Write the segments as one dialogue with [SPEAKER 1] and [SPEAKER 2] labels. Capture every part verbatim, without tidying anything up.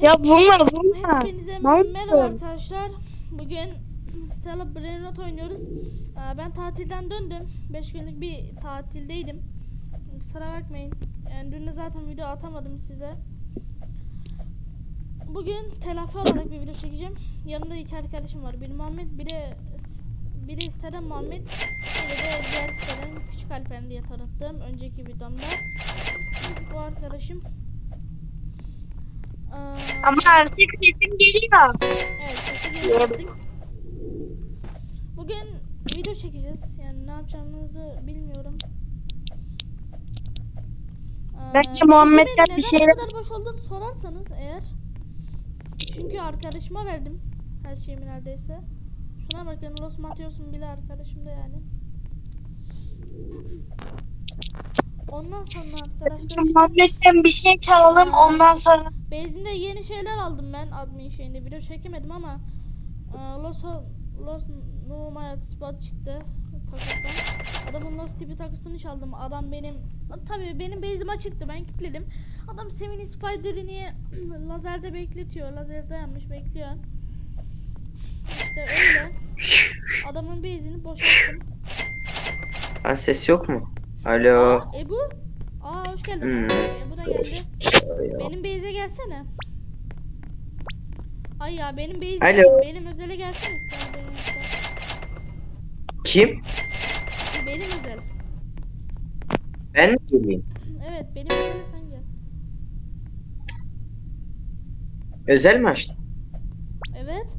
[SPEAKER 1] Ya vurma vurma.
[SPEAKER 2] Hepinize
[SPEAKER 1] Mal
[SPEAKER 2] merhaba
[SPEAKER 1] mısın?
[SPEAKER 2] arkadaşlar. Bugün Stella Brainrot oynuyoruz. Ee, Ben tatilden döndüm. beş günlük bir tatildeydim. Kusura bakmayın. Yani dün de zaten video atamadım size. Bugün telafi olarak bir video çekeceğim. Yanımda iki arkadaşım var. Biri Muhammed, biri biri siteden Muhammed, biri de diğer siteden Küçük Alper diye tanıttığım önceki videomda. Bu arkadaşım. Ee,
[SPEAKER 1] Ama artık sesim geliyor.
[SPEAKER 2] Evet, sesi geliyor artık. Bugün video çekeceğiz. Yani ne yapacağımızı bilmiyorum. Ee,
[SPEAKER 1] Bence Muhammed'den
[SPEAKER 2] Base'imin
[SPEAKER 1] bir
[SPEAKER 2] neden
[SPEAKER 1] şeyler...
[SPEAKER 2] bu kadar boş olduğunu sorarsanız eğer. Çünkü arkadaşıma verdim her şeyimi neredeyse. Şuna bakın, Los Matios'un bile arkadaşım da yani. Ondan sonra arkadaşlar işte,
[SPEAKER 1] Muhammed'den bir şey çalalım
[SPEAKER 2] Aa.
[SPEAKER 1] ondan sonra.
[SPEAKER 2] Base'inde yeni şeyler aldım ben admin şeyinde. Video çekemedim ama e, Los Los Numaya spot çıktı takıdan. Adamın Los tipi takısını çaldım. Adam benim tabii benim base'im açıktı. Ben kilitledim. Adam Semini Spider'ı niye lazerde bekletiyor. Lazerde yanmış bekliyor. İşte öyle. Adamın base'ini boşalttım.
[SPEAKER 3] Ha, ses yok mu? Alo.
[SPEAKER 2] Aa, Ebu. Aa, hoş geldin.
[SPEAKER 3] Hmm.
[SPEAKER 2] Arkadaşlar, Ebu da geldi. Benim base'e gelsene. Ay ya benim base
[SPEAKER 3] Alo.
[SPEAKER 2] benim özele gelsene ister benim ister.
[SPEAKER 3] Kim?
[SPEAKER 2] Benim özel.
[SPEAKER 3] Ben mi geleyim?
[SPEAKER 2] Evet benim özele sen gel.
[SPEAKER 3] Özel mi açtın?
[SPEAKER 2] Evet.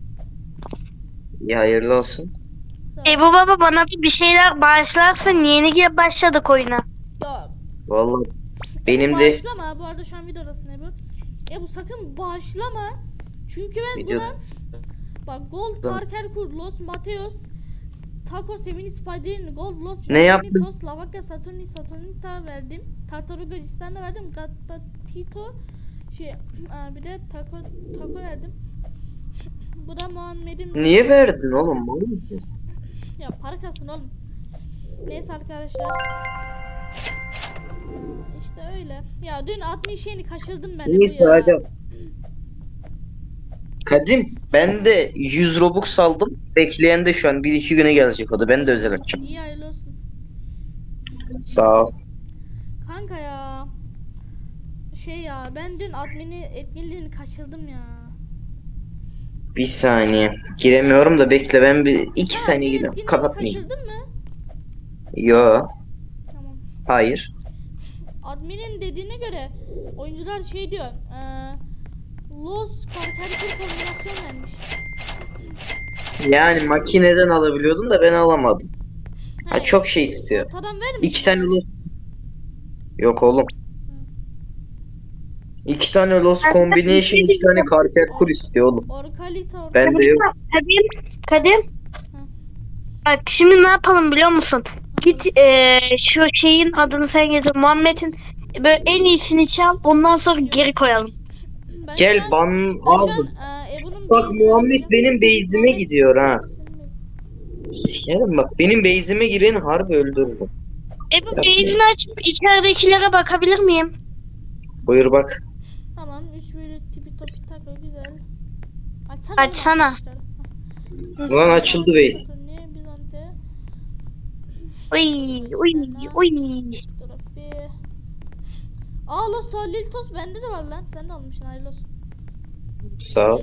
[SPEAKER 3] Ya hayırlı olsun.
[SPEAKER 2] Sağ ol.
[SPEAKER 1] Ebu baba bana da bir şeyler bağışlarsın. Yeni gibi başladık oyuna.
[SPEAKER 2] Ya
[SPEAKER 3] Vallahi
[SPEAKER 2] Ebu
[SPEAKER 3] benim de
[SPEAKER 2] bağışlama. Bu arada şu an videodasın Ebu. Ebu sakın bağışlama. Çünkü ben
[SPEAKER 3] Video-
[SPEAKER 2] buna bak Gold
[SPEAKER 3] Tamam.
[SPEAKER 2] Karker Los Mateos Taco Semini Spider'in Gold Los
[SPEAKER 3] Ne yaptın?
[SPEAKER 2] Tos Lavaka Saturni Saturnita verdim. Tartaruga Cistan'da verdim. Gatta Tito şey aa, bir de Taco Taco verdim. Bu da Muhammed'in.
[SPEAKER 3] niye verdin oğlum? Mal mısın?
[SPEAKER 2] Ya para kalsın oğlum. Neyse arkadaşlar. İşte öyle. Ya dün altmış şeyini kaçırdım ben.
[SPEAKER 3] Neyse
[SPEAKER 2] bu ya.
[SPEAKER 3] hadi. Kadim ben de yüz Robux aldım. Bekleyen de şu an bir iki güne gelecek o da. Ben de özel açacağım.
[SPEAKER 2] İyi hayırlı olsun.
[SPEAKER 3] Sağ ol.
[SPEAKER 2] Kanka ya. Şey ya ben dün admini etkinliğini kaçırdım ya.
[SPEAKER 3] Bir saniye. Giremiyorum da bekle ben bir iki
[SPEAKER 2] Sen
[SPEAKER 3] saniye
[SPEAKER 2] admin
[SPEAKER 3] giriyorum.
[SPEAKER 2] etkinliğini
[SPEAKER 3] Kapatmayayım.
[SPEAKER 2] kaçırdın mı?
[SPEAKER 3] Yo.
[SPEAKER 2] Tamam.
[SPEAKER 3] Hayır.
[SPEAKER 2] Admin'in dediğine göre oyuncular şey diyor. Eee Los Karker kombinasyon vermiş.
[SPEAKER 3] Yani makineden alabiliyordum da ben alamadım. Ha,
[SPEAKER 2] He,
[SPEAKER 3] çok şey istiyor.
[SPEAKER 2] ortadan vermiş.
[SPEAKER 3] İki tane
[SPEAKER 2] yani.
[SPEAKER 3] los. Yok oğlum. İki tane los combination, iki tane karper kur istiyor oğlum.
[SPEAKER 2] Orkalita orkalita.
[SPEAKER 3] Bende yok.
[SPEAKER 1] Kadim, Kadim. Bak şimdi ne yapalım biliyor musun? Git eee, şu şeyin adını sen getir. Muhammed'in böyle en iyisini çal. Ondan sonra geri koyalım.
[SPEAKER 2] Ben şu
[SPEAKER 3] Gel
[SPEAKER 2] an-
[SPEAKER 3] ban
[SPEAKER 2] ben şu an,
[SPEAKER 3] aldım.
[SPEAKER 2] eee, Ebu'nun
[SPEAKER 3] Bak
[SPEAKER 2] base'ine
[SPEAKER 3] Muhammed
[SPEAKER 2] bakacağım.
[SPEAKER 3] benim base'ime
[SPEAKER 2] Muhammed,
[SPEAKER 3] gidiyor ha.
[SPEAKER 2] senin base.
[SPEAKER 3] Sikerim bak benim base'ime giren harbi öldürürüm.
[SPEAKER 1] Ebu beyzini açıp içeridekilere bakabilir miyim?
[SPEAKER 3] Buyur bak.
[SPEAKER 2] Tamam, üç böyle tipi topi takı güzel. Açsana.
[SPEAKER 1] Açsana.
[SPEAKER 3] Ulan açıldı base.
[SPEAKER 2] Bizante.
[SPEAKER 1] Uy uy uy.
[SPEAKER 2] Terapi. Aa Los Tolilitos bende de var lan. Sen de almışsın hayırlı olsun.
[SPEAKER 3] Sağ ol.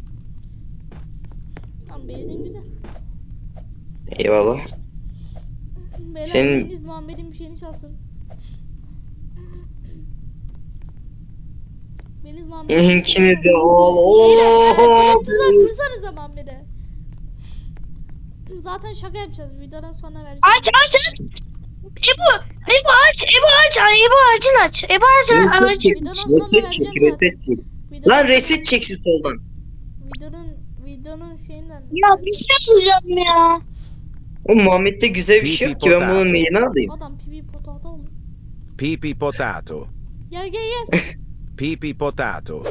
[SPEAKER 2] Tamam base'in güzel.
[SPEAKER 3] Eyvallah.
[SPEAKER 2] Beyler
[SPEAKER 3] Senin-
[SPEAKER 2] biriniz Muhammed'in bir şeyini çalsın. Biriniz Muhammed'in bir şeyini
[SPEAKER 3] İnkini de
[SPEAKER 2] çalsın.
[SPEAKER 3] al.
[SPEAKER 2] Beyler,
[SPEAKER 3] Oo.
[SPEAKER 2] e, tuzak kursanıza Muhammed'e. Zaten şaka yapacağız. Videodan sonra vereceğim.
[SPEAKER 1] Aç aç aç. Ebu, Ebu aç, Ebu aç, Ay, Ebu ağacını aç, Ebu ağacını
[SPEAKER 3] Reset
[SPEAKER 1] aç.
[SPEAKER 3] çek.
[SPEAKER 2] Videodan sonra
[SPEAKER 3] Reset
[SPEAKER 2] vereceğim
[SPEAKER 3] çek.
[SPEAKER 2] zaten.
[SPEAKER 3] Reset çek.
[SPEAKER 2] Videodan
[SPEAKER 3] Lan
[SPEAKER 2] sonra-
[SPEAKER 3] reset çek şu soldan.
[SPEAKER 2] Videonun videonun şeyinden.
[SPEAKER 1] Ya bir şey soracağım ya.
[SPEAKER 3] O Muhammed'de güzel bir şey yok ki ben bunun neyini alayım.
[SPEAKER 2] Adam pipi potato oldu.
[SPEAKER 4] Pipi potato.
[SPEAKER 2] Gel gel gel.
[SPEAKER 4] Pipi potato.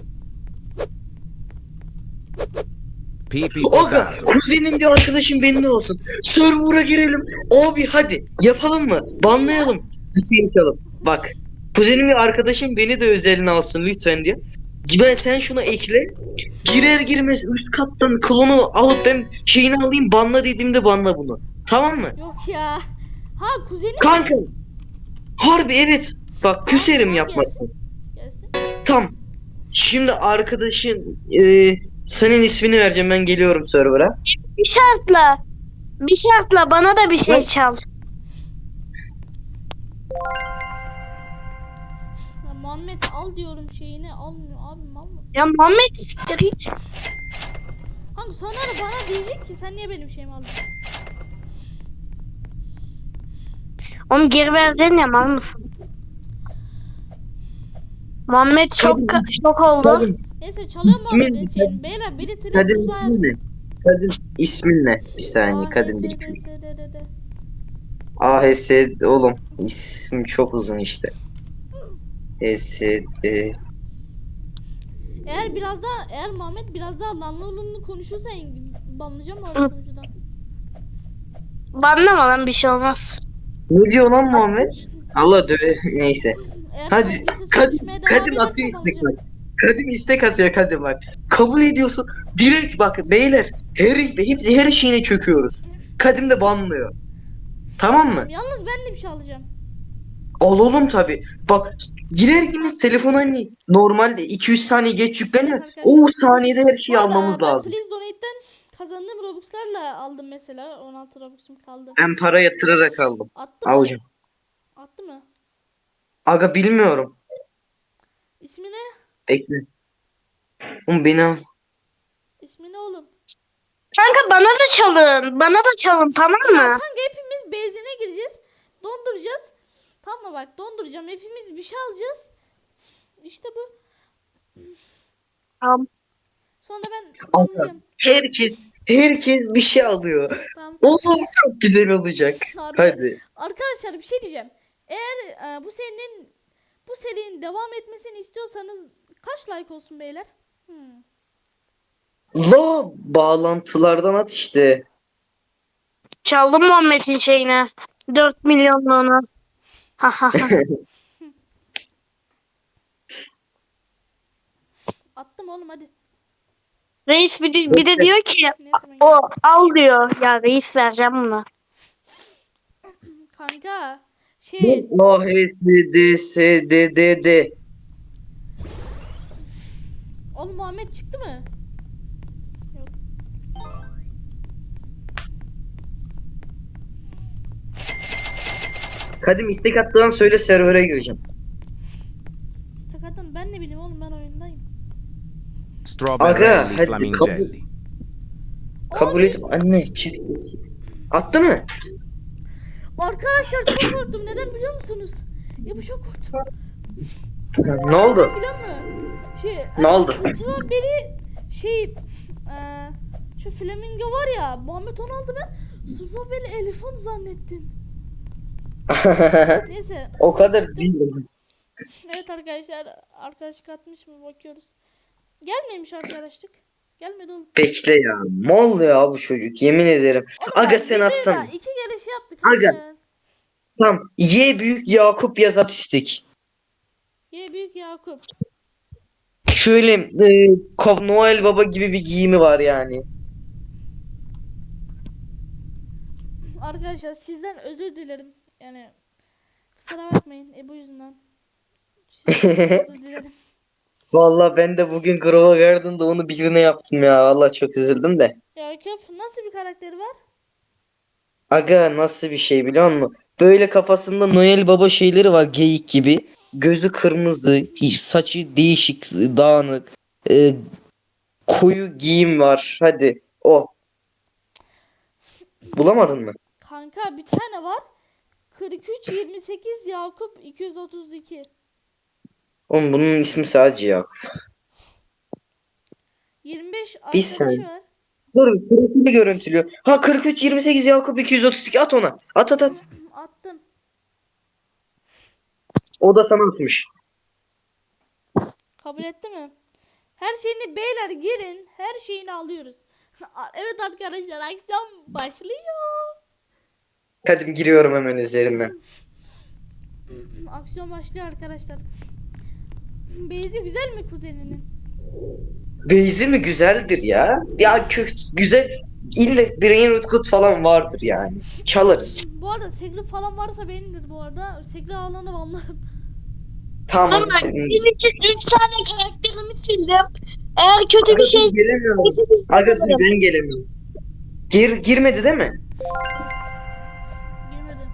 [SPEAKER 4] Pipi
[SPEAKER 3] Aga
[SPEAKER 4] potato.
[SPEAKER 3] kuzenim bir arkadaşım benimle olsun. Server'a girelim. Abi hadi yapalım mı? Banlayalım. Bir şey yapalım. Bak kuzenim bir arkadaşım beni de özeline alsın lütfen diye. Ben sen şunu ekle. Girer girmez üst kattan klonu alıp ben şeyini alayım banla dediğimde banla bunu. Tamam mı?
[SPEAKER 2] Yok ya. Ha kuzenim mi?
[SPEAKER 3] Kanka. Harbi evet. Bak küserim
[SPEAKER 2] Tamam,
[SPEAKER 3] yapmasın.
[SPEAKER 2] Gelsin.
[SPEAKER 3] Tam. Şimdi arkadaşın e, senin ismini vereceğim ben geliyorum server'a.
[SPEAKER 1] Bir şartla. Bir şartla bana da bir şey
[SPEAKER 3] Ne?
[SPEAKER 1] çal.
[SPEAKER 2] Ya Muhammed al diyorum şeyini almıyor abi mal mı?
[SPEAKER 1] Ya Muhammed siktir git.
[SPEAKER 2] Hangi sonra da bana diyecek ki sen niye benim şeyimi aldın?
[SPEAKER 1] Onu geri verdin ya mal mısın? Muhammed çok şok oldu.
[SPEAKER 3] Kadim,
[SPEAKER 2] Neyse çalıyorum
[SPEAKER 3] İsmin
[SPEAKER 2] Muhammed'in
[SPEAKER 3] ne?
[SPEAKER 2] şeyini. Beyler biri trik
[SPEAKER 3] Kadim
[SPEAKER 2] tuzağı
[SPEAKER 3] ismin ne?
[SPEAKER 2] yapsın.
[SPEAKER 3] Kadim ismin ne? Bir saniye
[SPEAKER 2] A,
[SPEAKER 3] Kadim
[SPEAKER 2] H,
[SPEAKER 3] bir.
[SPEAKER 2] S, D, S, D, D, D.
[SPEAKER 3] A H S oğlum isim çok uzun işte. H S D
[SPEAKER 2] Eğer biraz daha eğer Muhammed biraz daha lanlı konuşursa banlayacağım abi sunucudan.
[SPEAKER 1] Banlama lan bir şey olmaz.
[SPEAKER 3] Ne diyor lan Muhammed? Allah döve neyse.
[SPEAKER 2] Eğer
[SPEAKER 3] Hadi
[SPEAKER 2] saygısız
[SPEAKER 3] Kadim,
[SPEAKER 2] konuşmaya devam
[SPEAKER 3] Kadim atıyor
[SPEAKER 2] ederse
[SPEAKER 3] istek
[SPEAKER 2] banlayacağım.
[SPEAKER 3] bak. Kadim istek atıyor Kadim bak. Kabul ediyorsun. Direkt bak beyler her, hepsi her şeyine çöküyoruz. Kadim de banlıyor. Tamam mı?
[SPEAKER 2] Yalnız ben de bir şey alacağım.
[SPEAKER 3] Alalım tabi. Bak girer girmez telefon hani normalde iki yüz saniye geç yükleniyor.
[SPEAKER 2] Arkadaşlar.
[SPEAKER 3] O saniyede her
[SPEAKER 2] Bu
[SPEAKER 3] şeyi
[SPEAKER 2] arada
[SPEAKER 3] almamız
[SPEAKER 2] ben
[SPEAKER 3] lazım.
[SPEAKER 2] Please Donate'den kazandığım Robux'larla aldım mesela. on altı Robux'um kaldı.
[SPEAKER 3] Ben para yatırarak aldım.
[SPEAKER 2] Attı mı?
[SPEAKER 3] Alacağım.
[SPEAKER 2] Attı mı?
[SPEAKER 3] Aga bilmiyorum.
[SPEAKER 2] İsmi ne?
[SPEAKER 3] Bekle. Oğlum beni al.
[SPEAKER 2] İsmi ne oğlum?
[SPEAKER 1] Kanka bana da çalın. Bana da çalın tamam
[SPEAKER 2] Ya
[SPEAKER 1] mı?
[SPEAKER 2] kanka hepimiz benzine gireceğiz. Donduracağız. Tamam mı bak donduracağım. Hepimiz bir şey alacağız. İşte bu.
[SPEAKER 1] Tamam.
[SPEAKER 2] Sonra ben
[SPEAKER 3] Aga,
[SPEAKER 2] banlayacağım.
[SPEAKER 3] herkes herkes bir şey alıyor.
[SPEAKER 2] Tamam.
[SPEAKER 3] Oğlum çok güzel olacak.
[SPEAKER 2] Harbi.
[SPEAKER 3] Hadi.
[SPEAKER 2] Arkadaşlar bir şey diyeceğim. Eğer e, bu serinin bu serinin devam etmesini istiyorsanız kaç like olsun beyler? Hmm.
[SPEAKER 3] La bağlantılardan at işte.
[SPEAKER 1] Çaldım Muhammed'in şeyine. dört milyonluğunu. Ha ha ha.
[SPEAKER 2] Attım oğlum hadi.
[SPEAKER 1] Reis bir de, bir de diyor ki
[SPEAKER 2] Neyse ben
[SPEAKER 1] o al diyor. Ya reis vereceğim bunu.
[SPEAKER 2] kanka şey
[SPEAKER 3] A H S D S D D D.
[SPEAKER 2] oğlum Muhammed çıktı mı? Yok.
[SPEAKER 3] Kadim istek attığın söyle server'a gireceğim.
[SPEAKER 2] İstakattan ben ne bileyim oğlum ben oyundayım.
[SPEAKER 4] Strawberry
[SPEAKER 3] hadi
[SPEAKER 4] flamingelli.
[SPEAKER 3] Kabul et anne çık. Attı mı?
[SPEAKER 2] Arkadaşlar çok korktum. Neden biliyor musunuz? Ya bu çok korktum.
[SPEAKER 3] Ne oldu?
[SPEAKER 2] Neden biliyor musun? Şey,
[SPEAKER 3] Ne
[SPEAKER 2] e,
[SPEAKER 3] oldu?
[SPEAKER 2] Strawberry şey e, şu flamingo var ya Muhammed onu aldı ben Strawberry elefant zannettim. Neyse.
[SPEAKER 3] O kadar değil.
[SPEAKER 2] Evet arkadaşlar arkadaşlık atmış mı bakıyoruz. Gelmemiş arkadaşlık. Gelmedi oğlum.
[SPEAKER 3] Bekle ya. Mol ya bu çocuk yemin ederim.
[SPEAKER 2] Oğlum
[SPEAKER 3] Aga
[SPEAKER 2] bak,
[SPEAKER 3] sen
[SPEAKER 2] videoyu
[SPEAKER 3] atsana.
[SPEAKER 2] da iki kere şey yaptık. hadi
[SPEAKER 3] Aga.
[SPEAKER 2] ya.
[SPEAKER 3] Tamam. Y büyük Yakup yaz at istek.
[SPEAKER 2] Ye büyük Yakup.
[SPEAKER 3] Şöyle e, Ko- Noel Baba gibi bir giyimi var yani.
[SPEAKER 2] Arkadaşlar sizden özür dilerim. Yani kusura bakmayın Ebu yüzünden. Sizden özür dilerim.
[SPEAKER 3] Vallahi ben de bugün Grova Garden'da onu birine yaptım ya. Vallahi çok üzüldüm de.
[SPEAKER 2] Yakup nasıl bir karakteri var?
[SPEAKER 3] Aga nasıl bir şey biliyor musun? Böyle kafasında Noel Baba şeyleri var geyik gibi. Gözü kırmızı, hiç saçı değişik, dağınık. e, koyu giyim var. Hadi o. Bulamadın mı?
[SPEAKER 2] Kanka bir tane var. kırk üç yirmi sekiz Yakup iki yüz otuz iki.
[SPEAKER 3] Oğlum bunun ismi sadece Yakup.
[SPEAKER 2] yirmi beş
[SPEAKER 3] Bir
[SPEAKER 2] arkadaşı
[SPEAKER 3] saniye.
[SPEAKER 2] var.
[SPEAKER 3] Dur profili görüntülüyor. Ha kırk üç yirmi sekiz Yakup iki yüz otuz iki at ona. At at at.
[SPEAKER 2] Attım.
[SPEAKER 3] O da sana atmış.
[SPEAKER 2] Kabul etti mi? Her şeyini beyler girin. Her şeyini alıyoruz. Evet arkadaşlar aksiyon başlıyor.
[SPEAKER 3] Hadi giriyorum hemen üzerinden.
[SPEAKER 2] Aksiyon başlıyor arkadaşlar. Beyzi güzel mi kuzeninin?
[SPEAKER 3] Beyzi mi güzeldir ya? Ya kö güzel ille Brain Rootkut falan vardır yani. Çalarız.
[SPEAKER 2] Bu arada Segri falan varsa benimdir bu arada. Segri ağlarını anlarım.
[SPEAKER 3] Tamam
[SPEAKER 1] Ama
[SPEAKER 3] hadi senin.
[SPEAKER 1] benim için üç tane karakterimi sildim. Eğer kötü
[SPEAKER 3] Aga
[SPEAKER 1] bir şey
[SPEAKER 3] dur gelemiyorum. Aga dur ben gelemiyorum. Gir, girmedi değil mi?
[SPEAKER 2] Girmedi.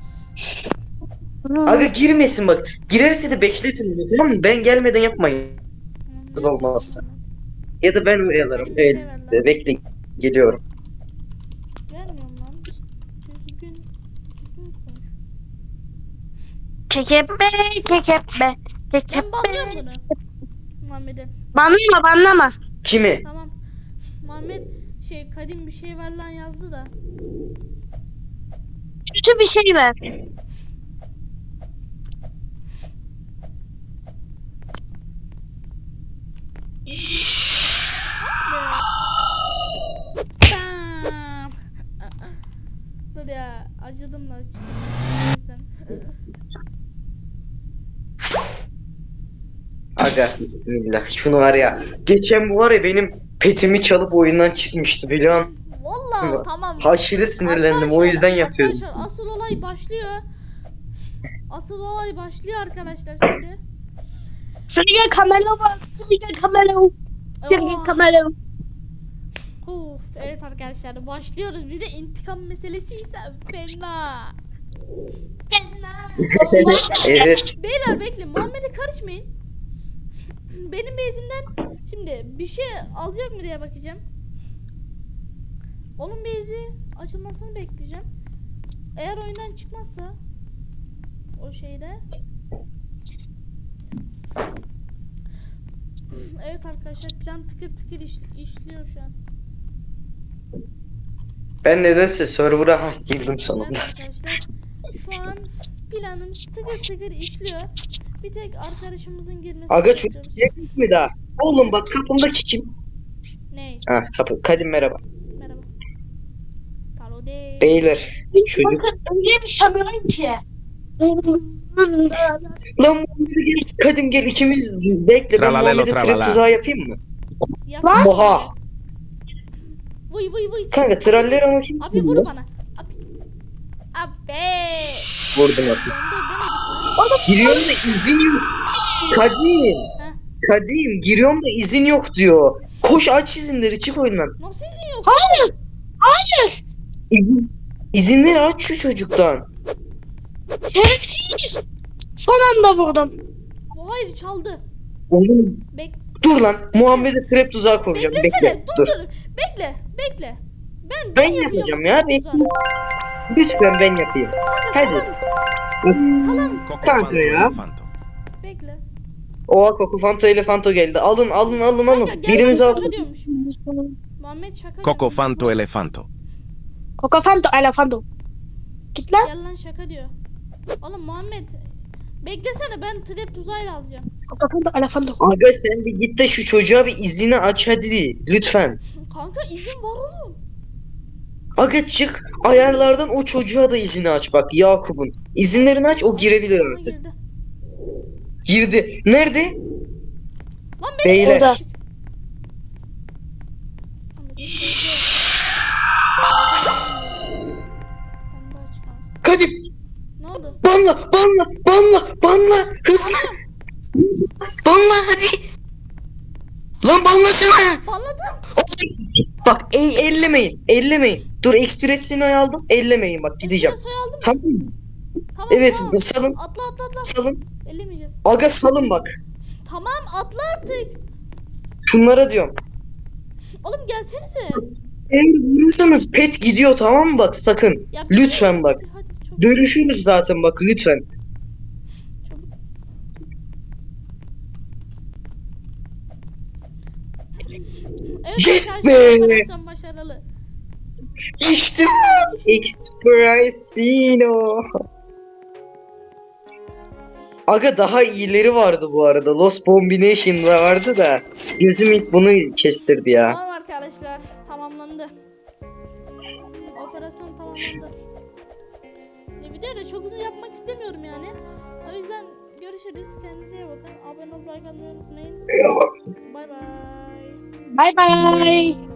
[SPEAKER 3] Aga girmesin bak. Girerse de bekletin beni, tamam mı? Ben gelmeden yapmayın.
[SPEAKER 2] Tamam,
[SPEAKER 3] Kız
[SPEAKER 2] ne
[SPEAKER 3] olmazsa.
[SPEAKER 2] yapayım
[SPEAKER 3] Ya da ben uyalarım.
[SPEAKER 2] Hadi bir şey ver
[SPEAKER 3] Öyle.
[SPEAKER 2] lan.
[SPEAKER 3] Bekle. Geliyorum.
[SPEAKER 2] ben? Vermiyorum lan. Düzgün, düzgün konuş.
[SPEAKER 1] Kekebe, kekebe,
[SPEAKER 2] Ben
[SPEAKER 1] kekebe.
[SPEAKER 2] banlıyorum bunu. Muhammed'e.
[SPEAKER 1] Banlama, banlama.
[SPEAKER 3] Kimi?
[SPEAKER 2] Tamam. Muhammed şey kadim bir şey ver lan yazdı da.
[SPEAKER 1] Kötü bir şey ver.
[SPEAKER 2] Bam. Dur ya acıdım da çıktım. O yüzden.
[SPEAKER 3] Aga bismillah. Şunu var ya. Geçen bu var ya benim petimi çalıp oyundan çıkmıştı biliyor musun?
[SPEAKER 2] Vallahi tamam.
[SPEAKER 3] Aşırı sinirlendim. O
[SPEAKER 2] Arkadaşlar,
[SPEAKER 3] yüzden yapıyorum.
[SPEAKER 2] Arkadaşlar asıl olay başlıyor. Asıl olay başlıyor arkadaşlar şimdi.
[SPEAKER 1] Şuraya kamera var. Şuraya kamera var. Şuraya
[SPEAKER 2] Oh.
[SPEAKER 1] kamera var.
[SPEAKER 2] Of, evet arkadaşlar başlıyoruz. Bir de intikam meselesi ise fena.
[SPEAKER 3] Evet.
[SPEAKER 2] Beyler bekleyin. Muhammed'e karışmayın. Benim bezimden şimdi bir şey alacak mı diye bakacağım. Onun bezi açılmasını bekleyeceğim. Eğer oyundan çıkmazsa o şeyde. Evet arkadaşlar plan tıkır tıkır iş, işliyor şu an.
[SPEAKER 3] Ben nedense server'a ha, girdim
[SPEAKER 2] Evet
[SPEAKER 3] sonunda.
[SPEAKER 2] arkadaşlar şu an planımız tıkır tıkır işliyor. Bir tek arkadaşımızın girmesini
[SPEAKER 3] Aga çocuk
[SPEAKER 2] bekliyoruz.
[SPEAKER 3] gelmiş mi daha? Oğlum bak kapımdaki kim?
[SPEAKER 2] Ney?
[SPEAKER 3] Ha kapı. Kadim merhaba.
[SPEAKER 2] Merhaba. Taro değil.
[SPEAKER 3] Beyler çocuk.
[SPEAKER 1] Bakın öyle bir şey yapıyorum ki.
[SPEAKER 3] Lan Muhammed'e gel. Kadim gel ikimiz bekle. Ben
[SPEAKER 4] Tralalelo,
[SPEAKER 3] Muhammed'e trap
[SPEAKER 4] tralala.
[SPEAKER 3] tuzağı yapayım mı?
[SPEAKER 2] Yapsana
[SPEAKER 3] Oha.
[SPEAKER 2] böyle. Vıy vıy vıy.
[SPEAKER 3] Kanka traller ama kim?
[SPEAKER 2] Abi vur bana. Abi. Abi.
[SPEAKER 3] Vurdum
[SPEAKER 2] Döndür
[SPEAKER 3] abi.
[SPEAKER 2] demedik lan.
[SPEAKER 3] Giriyorum da izin yok. Kadim.
[SPEAKER 2] Heh.
[SPEAKER 3] Kadim giriyorum da izin yok diyor. Koş aç izinleri çık oyundan.
[SPEAKER 2] Nasıl izin yok?
[SPEAKER 1] Hayır. Hayır.
[SPEAKER 3] İzin, izinleri aç şu çocuktan.
[SPEAKER 1] Şerefsiz. Son anda vurdum.
[SPEAKER 2] Bu hayır çaldı.
[SPEAKER 3] Oğlum
[SPEAKER 2] Bek
[SPEAKER 3] dur lan. Muhammed'e trap tuzağı kuracağım.
[SPEAKER 2] beklesene.
[SPEAKER 3] Bekle.
[SPEAKER 2] dur,
[SPEAKER 3] Dur.
[SPEAKER 2] dur Bekle. Bekle. Ben
[SPEAKER 3] Ben yapacağım ya.
[SPEAKER 2] Bekle.
[SPEAKER 3] Bekle. Lütfen ben yapayım. Hadi.
[SPEAKER 2] Salar mısın? Salar mısın?
[SPEAKER 4] Coco
[SPEAKER 3] Kanka
[SPEAKER 4] Fanto
[SPEAKER 3] ya.
[SPEAKER 4] Elefanto.
[SPEAKER 2] Bekle.
[SPEAKER 3] Oha Coco Fanto Elefanto geldi. Alın alın alın alın.
[SPEAKER 2] Kanka, gel
[SPEAKER 3] Biriniz
[SPEAKER 2] lan,
[SPEAKER 3] alsın.
[SPEAKER 2] şaka diyormuş. Muhammed şaka
[SPEAKER 4] Coco
[SPEAKER 2] diyor.
[SPEAKER 4] Fanto Elefanto.
[SPEAKER 1] Cocofanto, elefanto. Git lan.
[SPEAKER 2] Gel lan şaka diyor. Oğlum Muhammed beklesene ben trap tuzağıyla alacağım.
[SPEAKER 1] Cocofanto, elefanto.
[SPEAKER 3] Aga sen bir git de şu çocuğa bir izini aç hadi. Lütfen.
[SPEAKER 2] Kanka izin var oğlum.
[SPEAKER 3] Aga çık ayarlardan o çocuğa da izini aç bak Yakup'un. İzinlerini aç o girebilir
[SPEAKER 2] Bana
[SPEAKER 3] artık.
[SPEAKER 2] girdi.
[SPEAKER 3] Girdi. Nerede?
[SPEAKER 2] Lan benim
[SPEAKER 3] Beyler.
[SPEAKER 1] Orada. Kadim.
[SPEAKER 2] Ne oldu?
[SPEAKER 3] Banla banla banla banla. Hızlı. Banla hadi. Lan banlasana.
[SPEAKER 2] Banladım.
[SPEAKER 3] Bak e ellemeyin. Ellemeyin. Dur ekspresini aldım. Ellemeyin bak gideceğim.
[SPEAKER 2] Espresso aldım.
[SPEAKER 3] Tamam mı?
[SPEAKER 2] Tamam
[SPEAKER 3] Evet
[SPEAKER 2] tamam.
[SPEAKER 3] salın.
[SPEAKER 2] Atla atla atla.
[SPEAKER 3] Salın.
[SPEAKER 2] Ellemeyeceğiz.
[SPEAKER 3] Aga salın bak.
[SPEAKER 2] Tamam atla artık.
[SPEAKER 3] Şunlara diyorum.
[SPEAKER 2] Oğlum gelsenize.
[SPEAKER 3] Eğer vurursanız pet gidiyor tamam mı bak sakın.
[SPEAKER 2] Ya,
[SPEAKER 3] Lütfen bak.
[SPEAKER 2] Hadi, hadi çabuk.
[SPEAKER 3] Görüşürüz zaten bak lütfen.
[SPEAKER 2] Çabuk. Evet
[SPEAKER 3] Yes
[SPEAKER 2] arkadaşlar
[SPEAKER 3] be!
[SPEAKER 2] operasyon başarılı.
[SPEAKER 3] İşte Expressino. Aga daha iyileri vardı bu arada. Lost Combination da vardı da. Gözüm ilk bunu kestirdi ya.
[SPEAKER 2] Tamam arkadaşlar tamamlandı. Operasyon tamamlandı. Ya videoyu da çok uzun yapmak istemiyorum yani. O yüzden görüşürüz. Kendinize iyi bakın. Abone olmayı, like atmayı unutmayın. Bay bay.
[SPEAKER 1] Bay bay.